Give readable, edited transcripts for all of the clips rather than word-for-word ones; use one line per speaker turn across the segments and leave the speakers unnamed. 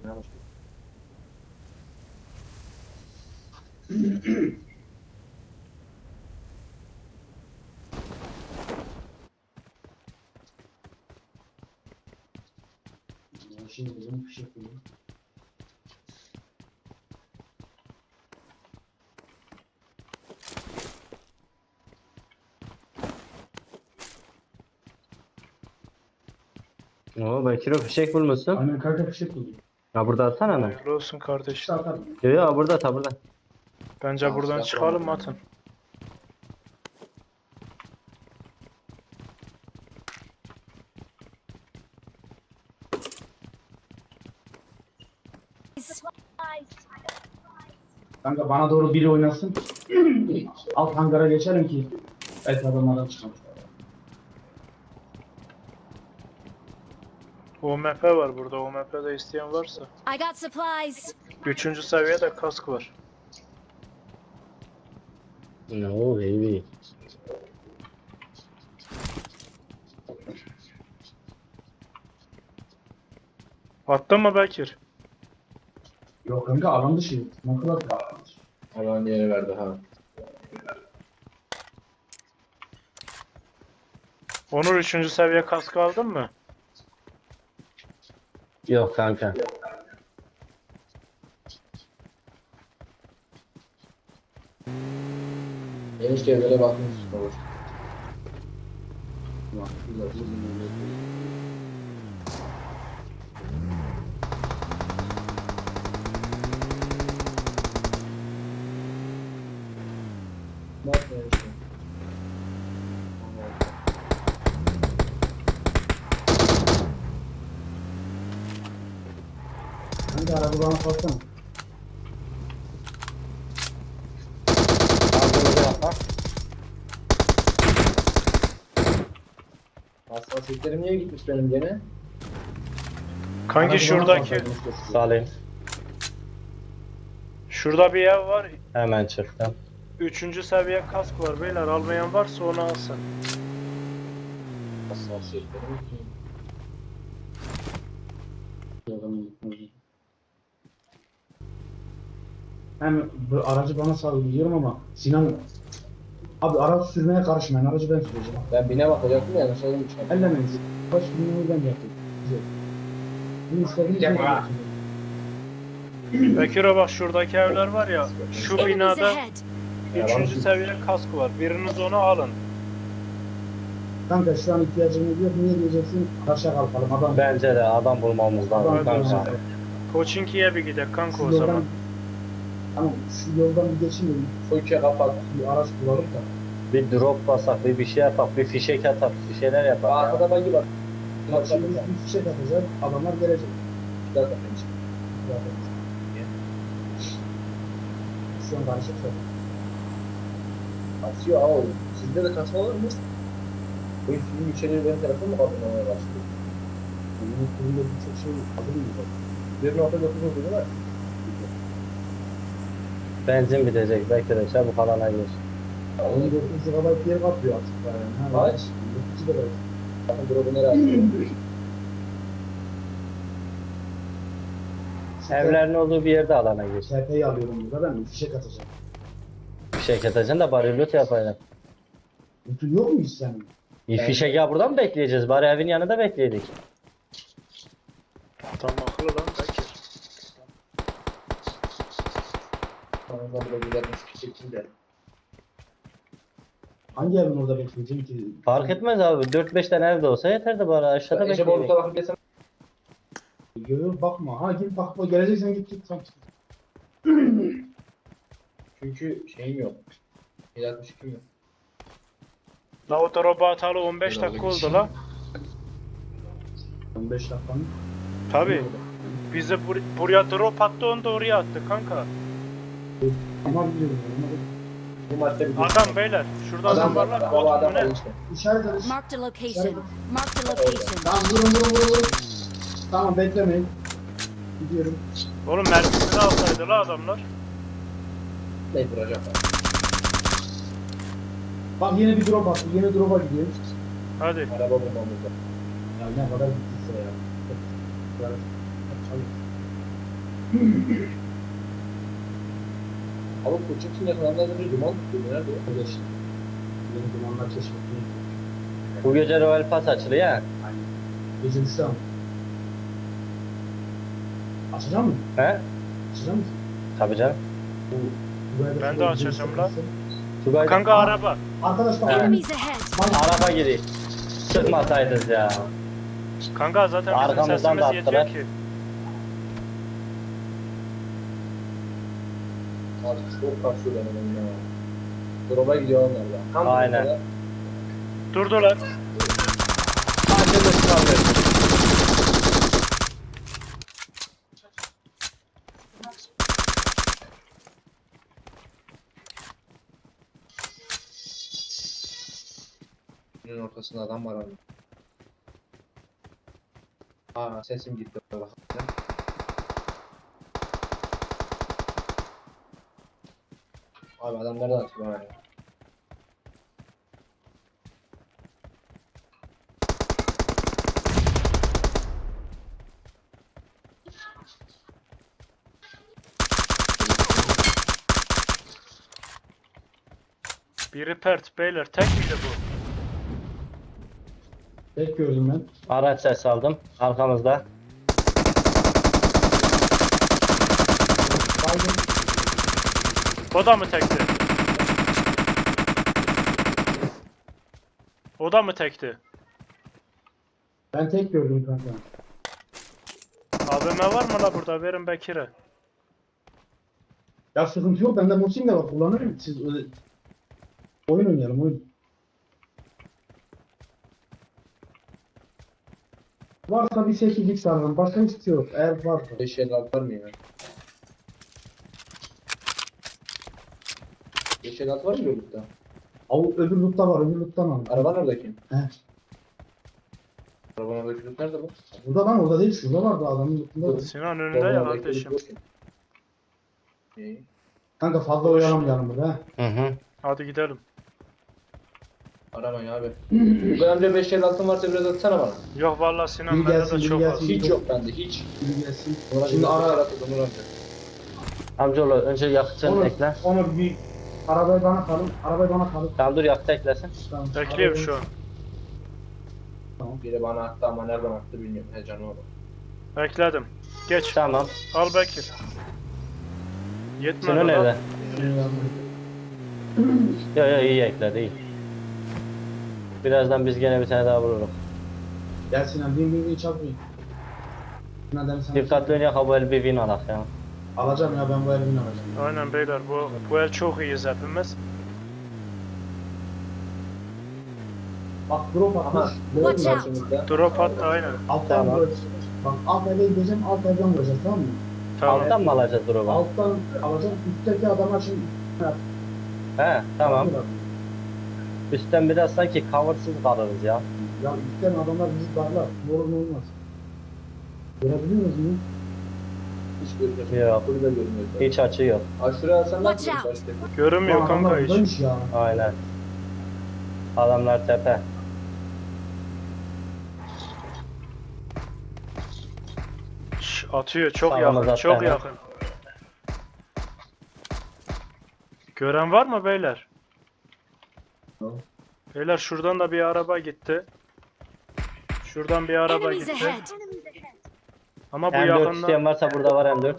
Şimdi bizim bir şey yapıyorum.
Oo Bekir'e fişek bulmuşsun.
Aynen kanka bir şey buldum.
Ha burada atsana hemen.
Hayırlı olsun kardeşim.
İşte atarım.
Yo yo burada at burada.
Bence buradan çıkalım atın.
Kanka bana doğru biri oynasın. Alt hangara geçelim ki belki adamlardan çıkalım.
OMP var burada. OMP'de isteyen varsa.
I got supplies.
3. seviyede kask var.
No baby.
Attın mı Bekir?
Yok kanka alan dışı. Ne kadar alan dışı.
Alan yeri verdi ha.
Onur 3. seviye kask aldın mı?
Yok kanka.
Enişte böyle bakmış olur. Bak enişte.
Kanka araba bana satsana.
Aldığımızı yapar. Hassasiyetlerim niye gitmiş benim gene?
Kanki
Araba
şuradaki.
bana satsana.
Salayım.
Şurada bir ev var.
Hemen çıktım.
3. seviye kask var beyler. Almayan varsa onu alsın.
Hassasiyetlerim
Hem bu aracı bana sal biliyorum ama Sinan abi araç sürmeye karışmayın. Aracı ben süreceğim.
Ben bine bakacaktım ya nasıl olmuş?
Ellemeyiz. Baş binmeyi ben yapayım. Güzel. Bunu istediğiniz gibi
Yapma.
yapın.
Bekir'e bak şuradaki evler var ya. Şu
Enemies
binada
ahead.
3. seviye kask var. Biriniz onu alın.
Kanka şu an ihtiyacımız yok. Niye diyeceksin? Karşıya kalkalım. Adam
Bence de adam bulmamız lazım
Adam
kanka.
bulacak.
Koçinki'ye bir gidelim kanka
Şu
o
yoldan,
zaman.
tamam şu yoldan bir geçeyim.
Fırça kapat.
Bir araç bulalım da.
Bir drop basak, bir şey yapak, bir fişek atak, bir şeyler yapak. ya.
Arkada bagi bak.
Bak şimdi bir fişek atacağız. Adamlar gelecek.
Zaten.
Zaten. Şu an karışık çok.
Kasıyor ha oğlum. Sizde de kasma var mı? Bu film içeriği benim tarafım mı kalmaya başladı?
Bunun kurulu birçok şey hazır mıyız?
1.9 oldu değil mi?
Benzin bitecek, belki de çabuk alana gir.
14 GB yer kaplıyor artık. Yani. Ha,
Kaç?
9 GB.
Bakın drop'u nereye atıyor?
Evlerin olduğu bir yerde alana gir.
TP'yi alıyorum burada ben. Fişek atacağım.
Fişek atacaksın da bari loot yapacaksın.
Bütün yok mu hiç senin?
Fişek ya buradan mı bekleyeceğiz? Bari evin yanında bekleyedik.
Tam akıllı lan Bekir.
Bana da gidermiş bir şekilde.
Hangi evin orada bekleyeceğim ki?
Fark etmez abi. 4-5 tane evde olsa yeter de bari aşağıda
Ece
bekleyedik.
Borut'a bakıp desem.
Görüyorum bakma. Ha git bakma. Geleceksen git git. Tamam.
Çünkü şeyim yok. 162 yok.
La o drop'u atalı 15 dakika oldu la.
15 dakika mı?
Tabi. Bize buraya drop attı onu da oraya attı kanka.
Ama biliyorum.
Bu madde bir
Adam beyler. Şurada adam var lan.
Baba
Bot mu
adam var
ne?
işte.
İşaret edin.
Marked a location. Marked a location.
Tamam vurun. Tamam beklemeyin. Gidiyorum.
Oğlum mermisini alsaydı la adamlar.
Ne vuracaklar?
Bak yine bir drop attı. Yine drop'a gidiyoruz.
Hadi.
Araba bulmamızda.
Ya ne kadar gittiyse ya. Yani, çalış.
Abi Koçuk'un yakınlarından önce duman tutuyordu. Nerede o?
Öyle işte. Benim dumanlar keşfettiğim.
Bu gece Royal Pass açılıyor ya.
Aynen. Gece düştü ama. Açacak mı?
He?
Açacak mı?
Tabii canım.
Ben de açacağım lan.
Tugay
Kanka araba.
Arkadaşlar
Enemies ahead.
araba giriyor. Çıkmasaydınız ya.
Kanka zaten bizim
Arkamızdan da
sesimiz yetiyor
attılar.
ki.
Abi çok kasıyor benim ya. Drop'a gidiyor onlar da. Tam
Aynen.
burada.
Durdular.
Sadece de çıkamıyor.
Günün ortasında adam var abi. Aa sesim gitti. Bak. Abi adam nereden atıyor bana ya?
Biri pert beyler. Tek miydi bu?
tek gördüm ben.
Araç ses aldım. Arkamızda.
Baygın.
O da mı tekti? O da mı tekti?
Ben tek gördüm kanka.
AVM var mı la burada? Verin Bekir'e.
Ya sıkıntı yok. Bende Musim de var. Kullanırım. Siz öyle... Oyun oynayalım oyun. Varsa bir 8x alırım. Başka hiçbir şey yok. Eğer varsa.
556 var mı ya? 556 var mı yolda?
Öbür lootta var. Öbür loottan al.
Araban oradaki.
He.
Araban oradaki loot nerede bu?
Burada lan orada değil. Şurada vardı adamın lootunda. da.
Sinan önünde ya kardeşim.
İyi.
Kanka fazla oyalamayalım burada. He.
Hı hı.
Hadi gidelim.
Aramayın abi. Bu amca 556 varsa biraz atsana bana.
Yok vallahi Sinan
Biri
bende
gelsin,
de
biri
çok az.
gelsin.
Hiç yok bende hiç.
Biri gelsin.
Ona
Şimdi ara.
Onur amca.
Amcaoğlu önce yakıtını
Onu,
ekle.
onu bir arabayı bana kalın. Arabayı bana kalın.
Tamam dur yakıt eklesin.
Tamam.
Bekliyorum
Arabayı-
şu an.
Biri bana attı ama nereden attı bilmiyorum. Heyecanı oldu.
Bekledim. Geç.
Tamam.
Al Bekir. Yetmedi
Sinan
lan.
nerede?
Şimdi
Yo iyi ekledi iyi. Birazdan biz gene bir tane daha vururuz.
Gel Sinan. Bin çarpmayın. Sinan dedim sana.
Dikkatli oynayalım ha bu el bir win alak ya.
Alacağım ya ben bu elbini alacağım.
Aynen beyler bu el çok iyiyiz hepimiz.
Bak drop
Aha.
atmış.
Watch
Drop
out.
Karşımızda.
Drop attı aynen.
Alttan
Tamam.
vuracağız. Bak alt eve gideceğim, alt evden vuracağız tamam mı?
Tamam.
Alttan mı alacağız drop'u?
Alttan alacağım, üstteki adama şimdi...
He tamam. Üstten biraz sanki coversız kalırız ya.
Ya üstten adamlar bizi darlar. Ne olur ne olmaz. Görebiliyor musunuz bunu?
Hiç görmüyorum.
Yok.
Kulübe görmüyor.
Hiç açı yok.
Aşırı alsan ne
Watch
yapıyorsun?
Görünmüyor
Lan
kanka
adamlar
hiç.
buradaymış ya.
Aynen. Adamlar tepe.
Şş, atıyor çok
Sağlamaz
yakın
attı
çok
hemen.
yakın. Gören var mı beyler?
Yok.
Beyler şuradan da bir araba gitti. Şuradan bir araba
Enemies
gitti.
ahead.
Ama bu
M4
yakında
isteyen varsa burada var M4.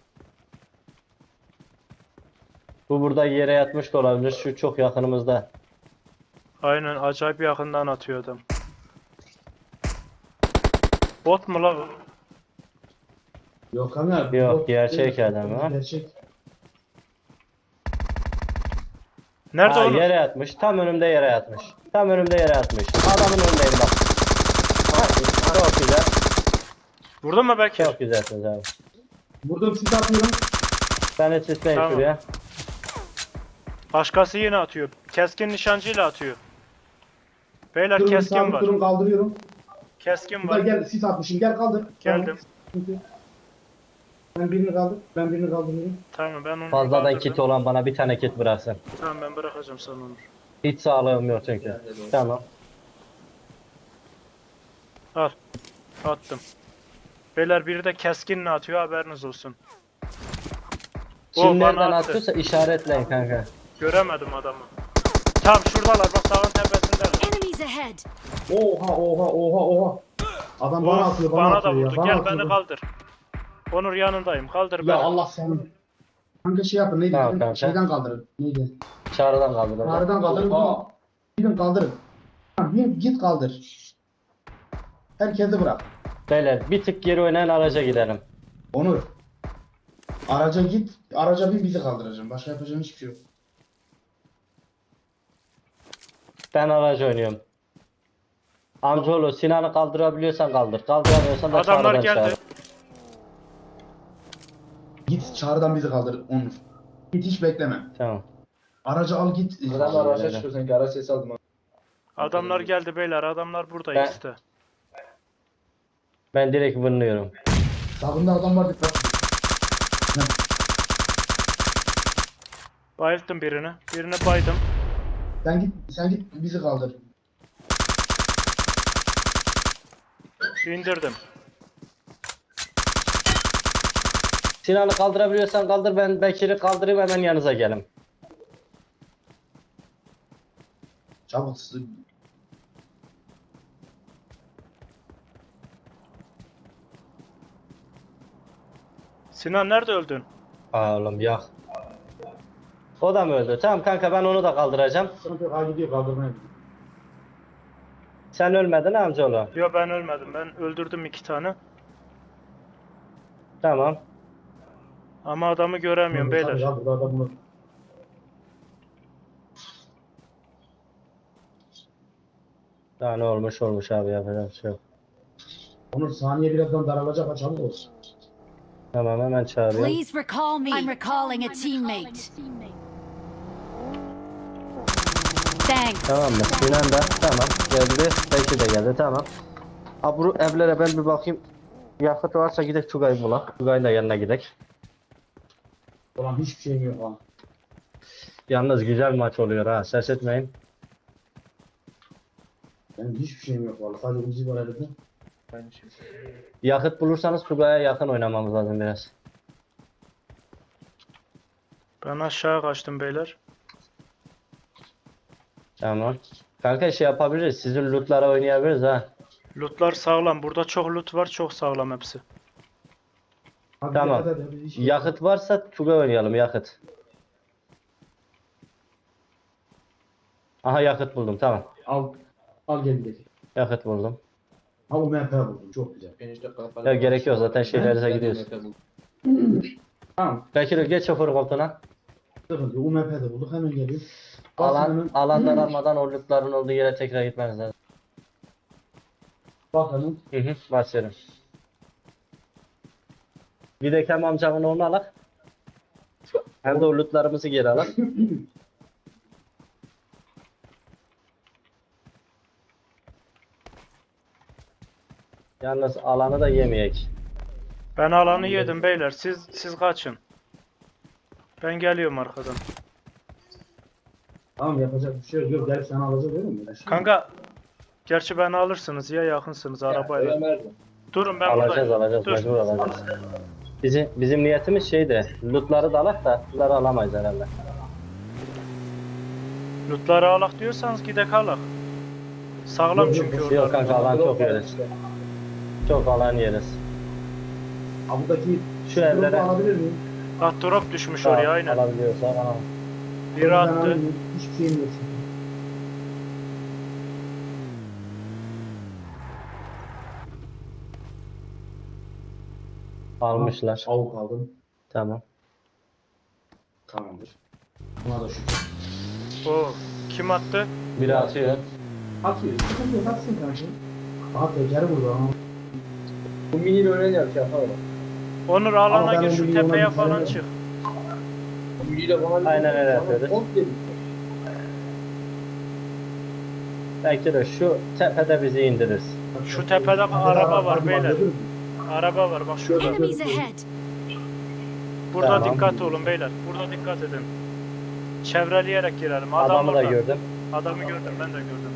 Bu burada yere yatmış da olabilir. Şu çok yakınımızda.
aynen acayip yakından atıyor adam. Bot mu la bu?
Yok ama...
Yok,
bot
gerçek
değil.
adam ha.
Gerçek.
Nerede
Ha,
oğlum?
yere yatmış. Tam önümde yere yatmış. Tam önümde yere yatmış. Adamın önündeyim bak. Ha, çok güzel.
Vurdun mu Bekir?
Çok güzelsiniz abi.
Vurdum sis atıyorum.
Ben de sisleyin
Tamam.
şuraya.
Başkası yine atıyor. Keskin nişancıyla atıyor. Beyler
Durun
keskin
sabit
var.
durun kaldırıyorum.
Keskin
Burada
var.
gel sis atmışım gel kaldır.
Geldim.
Tamam. Ben birini kaldır. Ben birini kaldırıyorum.
Tamam ben onu
Fazladan
kaldırdım.
kit olan bana bir tane kit bıraksın.
Tamam ben bırakacağım sana onu.
Hiç sağlığım yok çünkü.
Bende de olsun.
Tamam.
Al. Attım. Beyler biri de keskinle atıyor haberiniz olsun. O
Kim
bana
nereden
attı.
atıyorsa işaretleyin kanka.
Göremedim adamı. Tam şuradalar bak dağın tepesindeler.
Enemies ahead!
Oha. Adam bana
Of,
atıyor,
bana da
atıyor ya.
vurdu.
Bana
Gel
atıyor.
beni kaldır. Onur yanındayım. Kaldır
Ya
beni.
Allah seni. Kanka şey yapın neydi?
Tamam
Gidin
kanka.
şeyden kaldırın. Neydi?
Çağrıdan kaldırdı.
Ağrıdan kaldırın.
Oha.
Gidin kaldırın. Tamam, git kaldır. Herkesi bırak.
Beyler bir tık geri oynayan araca gidelim.
Onur. Araca git. Araca bin bizi kaldıracağım. Başka yapacağım hiçbir şey yok.
Ben aracı oynuyorum. Amcaoğlu Sinan'ı kaldırabiliyorsan kaldır. Kaldıramıyorsan da
Adamlar
çağrıdan
geldi.
çağır.
Git çağrıdan bizi kaldır Onur. Git hiç bekleme.
Tamam.
Aracı al git.
Adam araçta çıkıyor sanki araç sesi aldım.
Adamlar geldi beyler. Adamlar burada
Ben-
işte.
Ben direkt vınlıyorum.
Sağında adam var dikkat.
Bayılttım birini. Birini baydım.
Sen git bizi kaldır.
İndirdim.
Sinan'ı kaldırabiliyorsan kaldır, ben Bekir'i kaldırayım, hemen yanınıza gelin.
Çabuk.
Sinan nerede öldün?
Aa oğlum yak. O da mı öldü? Tamam kanka, ben onu da kaldıracağım.
Sıkıntı yok. Ha gidiyor kaldırmaya gidiyor.
Sen ölmedin amcaoğlu.
Yo ben ölmedim. Ben öldürdüm 2 tane.
Tamam.
Ama adamı göremiyorum beyler.
Ya burada adam var.
Daha ne olmuş abi, yapacak bir şey yok.
Onur saniye birazdan daralacak. Ha çabuk olsun.
Tamam, hemen çağırıyorum.
Please recall me. I'm recalling a teammate. Thanks.
Tamam mı? Sinan da tamam geldi. Bekir de geldi, tamam. Abi bu evlere ben bir bakayım. Yakıt varsa gidek Tugay bulak. Tugay'ın da yanına gidek.
Ulan hiçbir şeyim yok ha.
Yalnız güzel maç oluyor ha, ses etmeyin.
Benim hiçbir şeyim yok valla. Sadece uzi var elimde.
Aynı şey.
Yakıt bulursanız Tugay'a yakın oynamamız lazım biraz.
Ben aşağı kaçtım beyler.
Tamam. Kanka şey yapabiliriz. Sizin lootlara oynayabiliriz ha.
Lootlar sağlam. Burada çok loot var. Çok sağlam hepsi.
Hadi
Tamam.
hadi, hiç-
Yakıt varsa Tugay oynayalım, yakıt. Aha yakıt buldum, tamam.
Al gel gidelim.
Yakıt buldum.
Ha UMP buldum. Çok güzel.
Ya gerek yok zaten, şeylerinize gidiyoruz.
Tamam.
Bekir geç şoför koltuğuna.
Sıkıntı yok. UMP de bulduk. Hemen geliyoruz. Basın
Alan,
hemen.
alandan almadan o lootların olduğu yere tekrar gitmeniz lazım.
Bak hemen.
Başlıyorum. Bir de Kem amcamın onu alak. Hem de o lootlarımızı geri alak. Yalnız alanı da yemeyek.
Ben alanı yedim beyler. Siz kaçın. Ben geliyorum arkadan.
Tamam yapacak bir şey yok. Yok gelip sana alacak değil mi?
Kanka gerçi beni alırsınız ya yakınsınız arabayla. Durun ben
Alacağız
buradayım. Dur.
mecbur alacağız. Bizim niyetimiz şeydi. Lootları da alak da lootları alamayız herhalde.
Lootları alak diyorsanız gidek alak. Sağlam
Yok,
çünkü
yok,
orada.
Yok kanka, alan çok yeriz. Çok alan yeriz.
Ha buradaki
Şu evlere
alabilir miyim?
Bak drop düşmüş oraya aynen.
alabiliyorsak alalım.
Biri
Ben
attı.
alayım. Hiçbir şeyim yok.
Almışlar.
Avuk aldım.
Tamam.
Tamamdır. Buna da şükür.
Oo, kim attı?
Biri atıyor.
Atıyor. Sıkıntı yok. Atsın kanka. Aha tekeri vurdu ama.
Bu mini böyle yap şey yapalım.
Onur
Ama
alana
ben
gir
o
şu
milyona
tepeye
bir
falan
tane-
çık.
Bu miniyle bana
Aynen öyle yapıyoruz.
Komple
Belki de şu tepede bizi indiririz.
Şu tepede araba var beyler.
dedim.
Araba var bak şurada.
Enemies ahead.
Burada
Tamam.
dikkat olun beyler. Burada dikkat edin. Çevreleyerek girelim. Adam
Adamı da
orada.
gördüm.
Adamı gördüm ben de gördüm.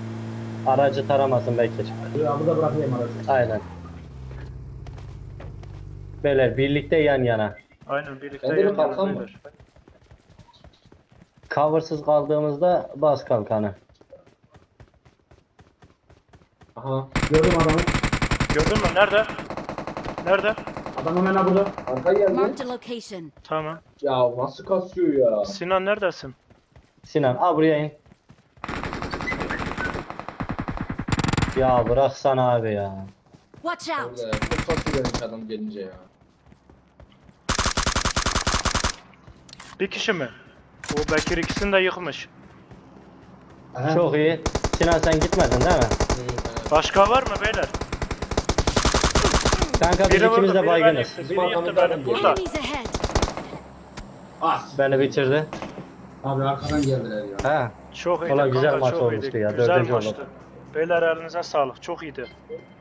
Aracı taramasın Bekir.
Ya burada bırakayım aracı.
Aynen. Beyler birlikte yan yana.
Aynen birlikte
Bende bir
yan yana
kalkan
beyler.
var.
Coversız kaldığımızda bas kalkanı.
Aha.
Gördüm adamı.
Gördün mü? Nerede? Nerede?
Adam hemen ha burada.
Arka geldi.
Marked a location.
Tamam.
Ya nasıl kasıyor ya?
Sinan neredesin?
Sinan buraya in. Ya bıraksana abi ya.
Watch out.
Orada çok kasıyor benim adam gelince ya.
Bir kişi mi? O Bekir ikisini de yıkmış.
Aha.
Çok iyi. Sinan sen gitmedin değil mi?
Başka var mı beyler?
Kanka biz
Biri
ikimiz
vurdu,
de
biri
baygınız.
beni yıktı,
Bizim
biri yıktı
arkamızda
beni.
adam
Burada.
Enemies ahead.
As.
Beni bitirdi.
Abi arkadan geldiler ya.
Ha.
Çok iyiydi
Valla güzel
kanka,
maç
çok
olmuştu
iyiydi.
ya,
Güzel
dördüncü
maçtı.
oldu.
Beyler elinize sağlık. Çok iyiydi.